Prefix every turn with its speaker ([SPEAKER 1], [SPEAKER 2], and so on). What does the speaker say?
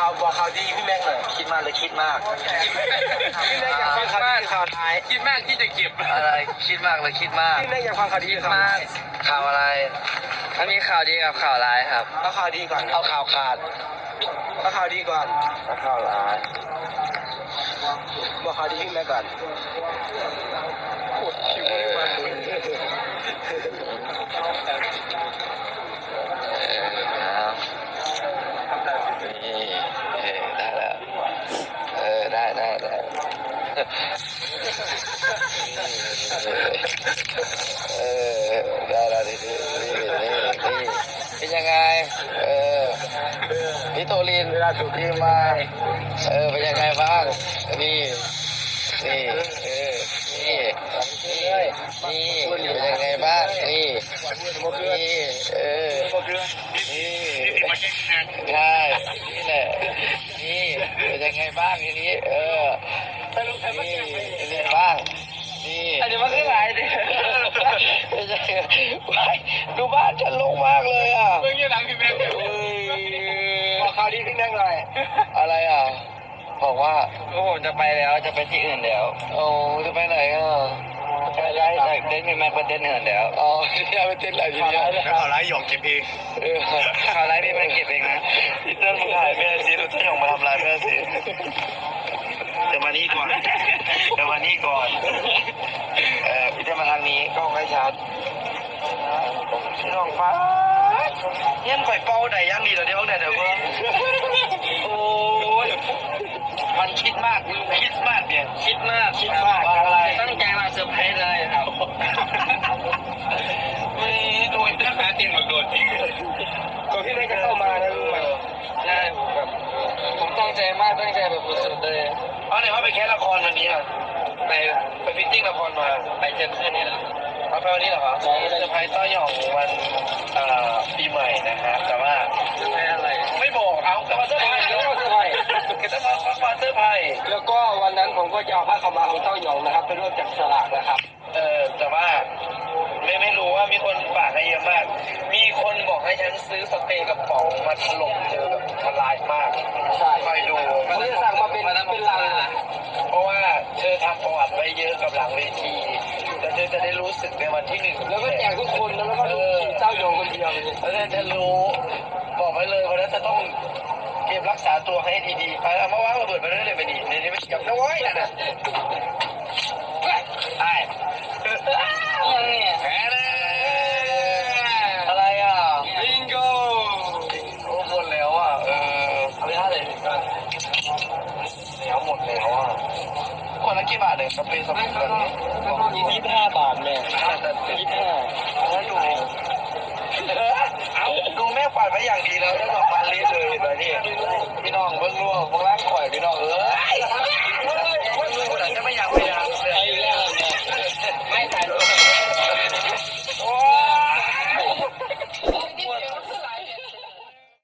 [SPEAKER 1] ข่าวดีพี่แม็กหน่อยคิดมากเลยคิดมากพี่แม็กอยากฟังข่าวดีข่าวร้ายคิดมากที่จะเก็บอะไรคิดมากเลยคิดมากพี่แม็กอยากฟังข่าวดีข่าวร้ายข่าวอะไรมันมีข่าวดีกับข่าวร้ายครับเอาข่าวดีก่อนเอาข่าวขาดเอาข่าวดีก่อนเอาข่าวร้ายบอกข่าวดีพี่แม็กก่อนปวดคิวมากเลยได้แล้วได้ได้ได้นี่เป็นยังไงพี่โตลินเวลาถูกทีมมาเป็นยังไงบ้างนี่นี่นี่เป็นยังไงบ้างนี่นี่ใช่นี่แหละนี่เป็นยังไงบ้างทีนี้นี่เป็นยังไงบ้างนี่อันนี้มันคืออะไรเนี่ยดูบ้านฉันลงมากเลยอ่ะเพิ่งยืนหลังพี่แม็กบอกข่าวดีพี่แม็กหน่อยอะไรอ่ะบอกว่าโอ้จะไปแล้วจะไปที่อื่นแล้วโอ้จะไปไหนอ่ะไปไล่เต้นพี่แม็กไปเต้นอื่นแล้วอ๋อที่ไปเต้นอะไรทีนี้ข่าวร้ายหยองเก็บเองข่าวร้ายพี่แม็กเก็บเองนะพี่เต้นมาถ่ายแม่ซีพี่เต้นหยองมาทำลายแม่ซีจะมานี่ก่อนจะมานี่ก่อนพี่เต้นมาทางนี้กล้องไม่ชัดพี่น้องฟ้าเงี้ยข่อยเป้าไหนยังดีเหรอเดี๋ยวเนี่ยเดี๋ยวเพิ่งโอ้ยมันคิดมากเนี่ยคิดมากอะไรตั้งใจมาเซอร์ไพรส์เลยครับไม่ดูอินเทอร์เน็ตตีนหมดโดนก่อนที่ได้จะเข้ามานะรู้ไหมใช่แบบผมตั้งใจมากตั้งใจแบบสุดๆเลยเพราะไหนว่าไปแค่ละครวันนี้อ่ะไปฟิตติ้งละครมาไปเจอเพื่อนนี่แหละเอาไปวันนี้เหรอครับเซอร์ไพรส์ต้อยหย่องวันปีใหม่นะครับแต่ว่าเซอร์ไพรส์อะไรไม่บอกเอาแต่ว่าเซอร์ไพรส์แล้วเซอร์ไพรส์ก็ต้องมาเซอร์ไพรส์แล้วก็วันนั้นผมก็จะเอาผ้าขาวม้าของเต้าหย่องนะครับไปร่วมจับสลากนะครับแต่ว่าไม่รู้ว่ามีคนฝากให้เยอะมากมีคนบอกให้ฉันซื้อสเปรย์กระป๋องมาถล่มเจอแบบทลายมากใช่คอยดูมันจะสั่งมาเป็นลังเพราะว่าเธอทำประวัติไว้เยอะกับหลังเวทีแต่เธอจะได้รู้สึกในวันที่1แล้วก็แจกทุกคนแล้วก็เจ้าโยงคนเดียวแล้วเธอจะรู้บอกไว้เลยวันนั้นจะต้องเก็บรักษาตัวให้ดีๆเอามาว่างระเบิดไปเรื่อยๆไปดีในนี้ไม่กับน้องไว้นะไอ้ยังเนี่ยแพ้เลยอะไรอ่ะบิงโก้โอ้หมดแล้วอ่ะเอาไปท่าเลยก็แล้วหมดแล้วอ่ะคนละกี่บาทเลยสเปรย์แบบนี้